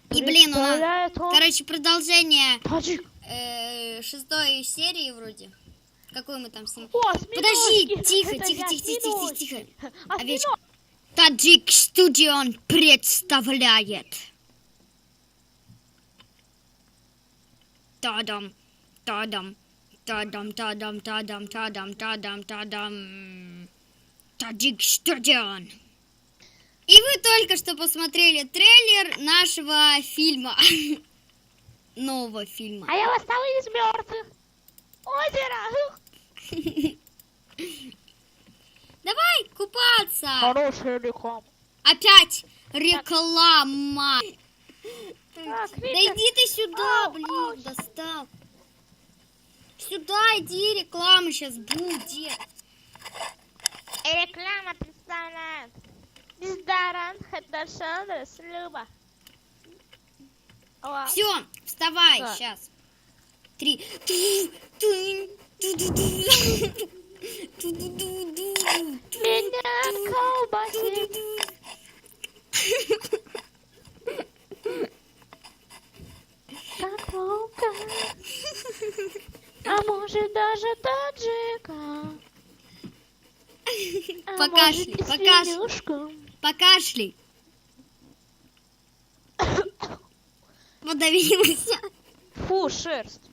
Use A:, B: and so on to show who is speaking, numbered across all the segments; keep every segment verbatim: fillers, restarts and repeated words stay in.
A: И, блин, у нас,
B: Представляет он
A: короче, продолжение
B: таджик.
A: э, шестой серии вроде. Какой мы там снимаем?
B: О,
A: Подожди,
B: осьминожки.
A: тихо,
B: Это
A: тихо,
B: не
A: тихо, тихо, тихо,
B: осьминожки.
A: тихо.
B: Осьминожки.
A: Овечка. Таджик Студион представляет. Тадам, тадам, тадам, тадам, тадам, тадам, тадам, тадам. Таджик Студион. И вы только что посмотрели трейлер нашего фильма. Нового фильма.
B: А я восстал из мертвых. Озеро.
A: Давай купаться.
B: Хорошая реклама.
A: Опять реклама.
B: Так,
A: Да
B: Витя.
A: иди ты сюда,
B: Ау,
A: блин,
B: ау.
A: достал. Сюда иди, реклама сейчас будет.
B: Реклама представляет. Бездаран Хедашан Слюба.
A: Все, вставай
B: Так.
A: сейчас. Три. Ту-ту, ту-ду-ду. Ту-ду-ду-ду.
B: Меня колбасит. Как волка. А может даже таджика. А
A: Покашляй,
B: может, и
A: покашляй.
B: свинюшку.
A: Покашляй. Подавился.
B: Фу, шерсть.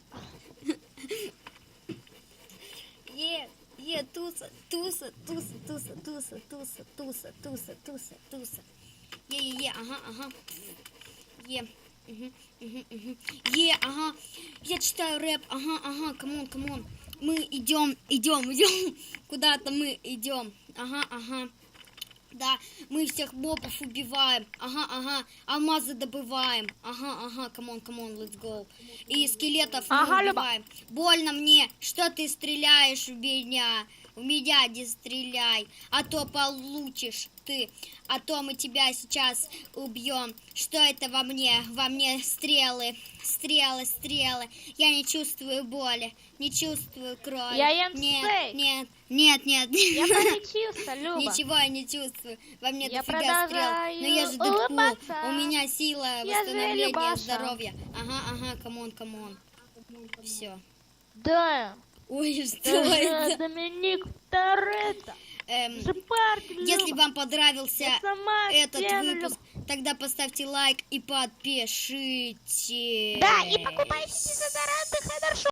A: Е, е, туса, туса, туса, туса, туса, туса, туса, туса, туса, туса. Е, е, е, ага, ага. Е. Угу, угу, угу. Е, ага. Я читаю рэп. Ага, ага, камон, камон. Мы идем, идем, идем. Куда-то мы идем. Ага, ага. Да, мы всех мобов убиваем. Ага, ага. Алмазы добываем. Ага, ага. Камон, камон, let's go. И скелетов мы
B: Ага, Люба.
A: убиваем. Больно мне, что ты стреляешь в меня. В меня не стреляй, а то получишь ты, а то мы тебя сейчас убьем. Что это во мне? Во мне стрелы, стрелы, стрелы. Я не чувствую боли, не чувствую крови.
B: Я ем
A: нет,
B: стейк.
A: нет, нет, нет,
B: Я
A: нет.
B: пролечился, Люба.
A: Ничего я не чувствую. Во мне
B: Я
A: дофига стрел.
B: продолжаю
A: Но я же Дэдпул.
B: улыбаться.
A: У меня сила
B: Я же
A: восстановления
B: Любаша.
A: здоровья. Ага, ага, камон, камон. Все.
B: Да.
A: Ой, что
B: Это
A: это?
B: Доминик Торетто.
A: Эм,
B: Шипарк,
A: Если
B: Люба.
A: вам понравился
B: Я сама
A: этот
B: стену
A: выпуск, тогда поставьте лайк и подпишите.
B: Да, и покупайте дезодоранты Хедершоп.